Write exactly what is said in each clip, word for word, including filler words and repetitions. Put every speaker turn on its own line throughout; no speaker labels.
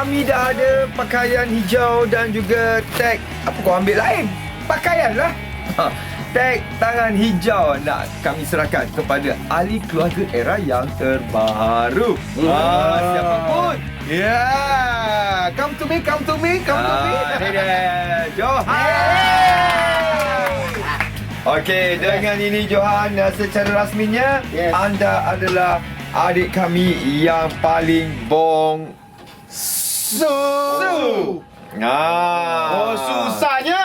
kami dah ada pakaian hijau dan juga tag. Apa kau ambil lain? Pakaian lah. Ha, tag tangan hijau nak kami serahkan kepada ahli keluarga Era yang terbaru. Ha, siapa pun. Ya, yeah. Come to me, come to me, come to me. Ini dia, Johan. Okey, dengan ini Johan, secara rasminya yes. anda adalah adik kami yang paling bong su. su. Ah.
Oh, susahnya.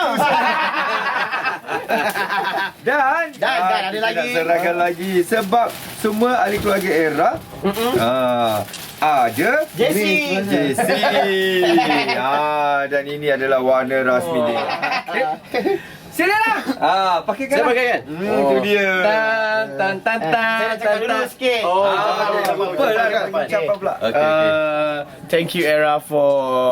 Dan
Dan,
ah,
dan ada
kita
lagi.
nak serahkan lagi sebab semua ahli keluarga Era ah, ada
Jessie.
Jessie. ah, dan ini adalah warna rasmi
oh.
dia. Silalah. Ah, pakaikan.
Saya pakaikan.
Hmm, oh. Itu dia.
Tan tan tan tan.
Saya nak cakap dulu sikit.
Oh,
Ah, lupa lah nak ucapkan pula.
Okay, okay. Uh, thank you Era for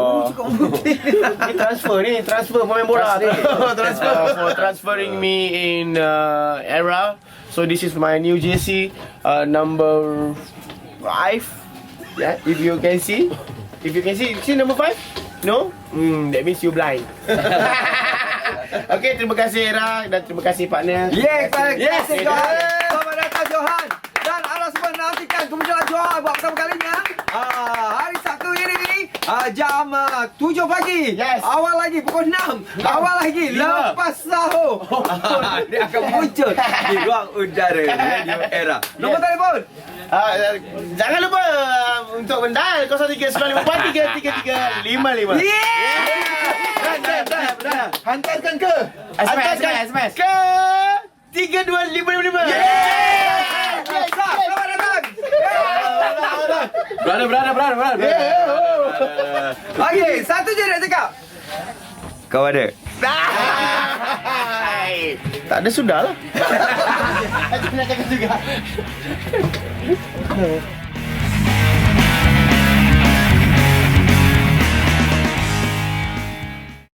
Ni transfer ni, transfer pemain bola ni.
transfer uh, for transferring me in uh, Era. So this is my new jersey, uh, number five. Yeah, if you can see, if you can see, see number five? No? Hmm, that means you blind. Okay, terima kasih Era dan terima kasih partner.
Yes, terima
Yes,
kasih Johan. Selamat datang Johan. Dan anda semua nantikan kemunculan Johan buat pertama kalinya. Ah, hari Sabtu ini ah, jam ah, tujuh pagi.
Yes.
Awal lagi pukul enam. Awal lagi
Lima.
lepas sahur. Ah, dia akan muncul di ruang udara Radio Era. Nombor
Yes.
telefon.
Uh, jangan lupa uh, untuk mendial kosong tiga sembilan lima empat tiga tiga tiga lima lima.
Yeah.
Dan, dan, dan, dan.
Hantarkan ke?
S M S, S M S. Ke tiga dua lima lima lima.
Selamat datang.
Brother, brother, brother, brother.
Okey, satu je nak cakap. Kau ada?
Tak ada sudah lah.
Saya nak cakap juga.